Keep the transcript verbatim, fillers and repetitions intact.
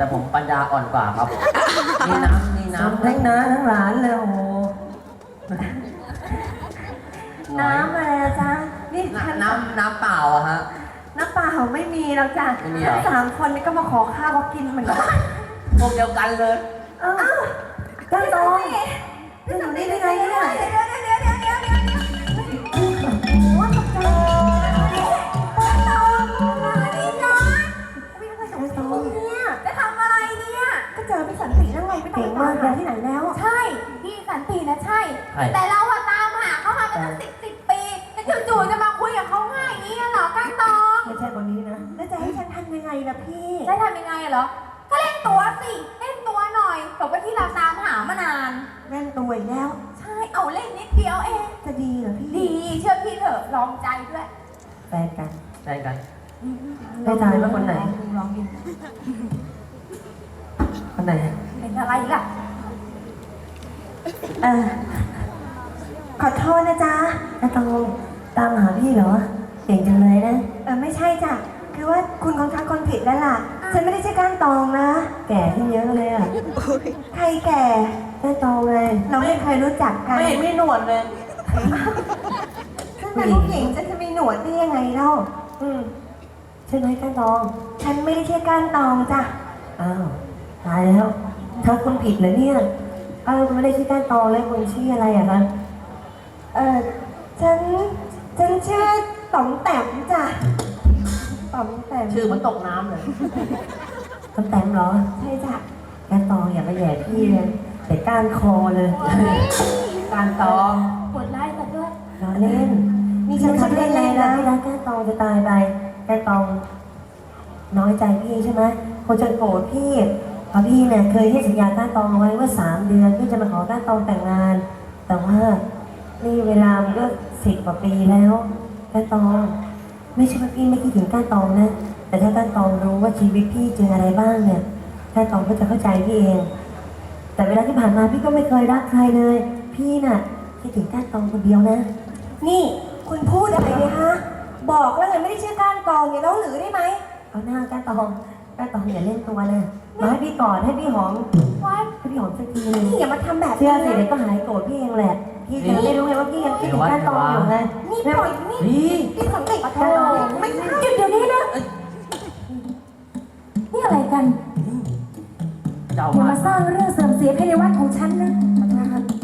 แต่ผมปัญญาอ่อนกว่าครับนี่น้ำนี่น้ำทั้งน้าทั้งหลานเลยโอ้โหน้ำอะไรอะจ๊ะนี่ฉันน้ำน้ำเปล่าอะฮะน้ำเปล่าไม่มีแล้วจ้ะไม่มีเหรอทั้งสามคนนี่ก็มาขอข้าวเขากินเหมือนกันพวกเดียวกันเลยเอ้าจ้าตองจะอยู่นี่ได้ไงเนี่ยเดี๋ยวเดี๋ยวเดี๋ยวเดี๋ยวเดี๋ยวเดี๋ยวโอ้ตกใจจ้าตองมาดิจ้าวิ่งไปสองตองเนี่ยจะทำอะไรเนี่ยก็เจอพี่สันติแล้วไงไม่ต้องไปตามหาที่ไหนแล้วใช่พี่สันตินะใช่ใช่แต่เราอะตามหาเขามาเป็นตั้งสิบสิบปีแต่จู่ๆจะมาคุยกับเขาง่ายอย่างนี้เหรอก้านตองไม่ใช่คนนี้นะแล้วจะให้ฉันทำยังไงล่ะพี่จะทำยังไงเหรอ ก็เล่นตัวสิ เล่นตัวหน่อยบอกว่าที่เราตามหามานานเล่นตัวอีกแล้วใช่ เอาเล่นนิดเดียวเองจะดีเหรอพี่ดี เชื่อพี่เถอะ ลองใจด้วยแฟนกันใช่กันได้ทายว่าคนไหนลองดูคนไหนเป็นอะไรล่ะเออขอโทษนะจ๊ะจะต้องตามหาพี่เหรอเก่งจังเลยนะเออไม่ใช่จ้ะ คือว่าคุณคงทักคนผิดแล้วล่ะ ฉันไม่ได้ใช่ก้านตองนะแก่ขึ้นเยอะเลยอ่ะใครแก่แม่โตเลยเราไม่เคยรู้จักกันไม่เห็นมีหนวดเลยฉันเป็นผู้หญิงฉันจะมีหนวดได้ยังไงเล่าอืมใช่ไหมก้านตองฉันไม่ได้ใช่ก้านตองจ้ะอ้าวตายแล้วทักคนผิดเหรอเนี่ยเออไม่ได้ชื่อก้านตองแล้วคนชื่ออะไรอะคะเออฉัน ฉันชื่อต๋อมแต้มจ้ะต๋อมแต้มชื่อเหมันตกน้ำเลยต้นแต้มเหรอใช่จ้ะก้านตองอย่ามาแย่พี่เลยแต่ก้านคอเลยการตองกดไลค์กันด้วยล้อเล่นนี่ฉันทำเล่เล่นนๆเลยนะนะที่รักก้านตองจะตายไปก้านตองน้อยใจพี่ใช่ไหมคนจะโกรธพี่เพราะพี่เนี่ยเคยให้สัญญาก้านตองเอาไว้ว่าสามเดือนพี่จะมาขอก้านตองแต่งงาน แต่ว่านี่เวลามันก็สิบกว่าปีแล้วก้านตอง ไม่ใช่ว่าพี่ไม่คิดถึงก้านตองนะ แต่ถ้าก้านตองรู้ว่าชีวิตพี่เจออะไรบ้างเนี่ยก้านตองก็จะเข้าใจพี่เอง แต่เวลาที่ผ่านมาพี่ก็ไม่เคยรักใครเลย พี่น่ะคิดถึงก้านตองคนเดียวนะนี่คุณพูดอะไรเนี่ยฮะ บอกแล้วไงไม่ได้ชื่อก้านกองเนี่ยแล้วหรือได้ไหมเอาหน้าก้านตองก้านตองอย่าเล่นตัวเลยมาให้พี่กอดให้พี่หอมว้ายให้พี่หอมสักทีเลยนี่อย่ามาทำแบบเชื่นี้อสิเดี๋ยวนะก็หายโกรธพี่เองแหละ พี่จะไม่รู้ไงว่าพี่ยังคิดถึงก้านตองอยู่ไงนี่ปล่อยนี่นี่นี่สังเกตก้านตองไม่ใช่หยุดเดี๋ยวนี้นะ นี่อะไรกันเจ้าอย่ามามาสร้างเรื่องเสื่อมเสียภายในวัดของฉันนะ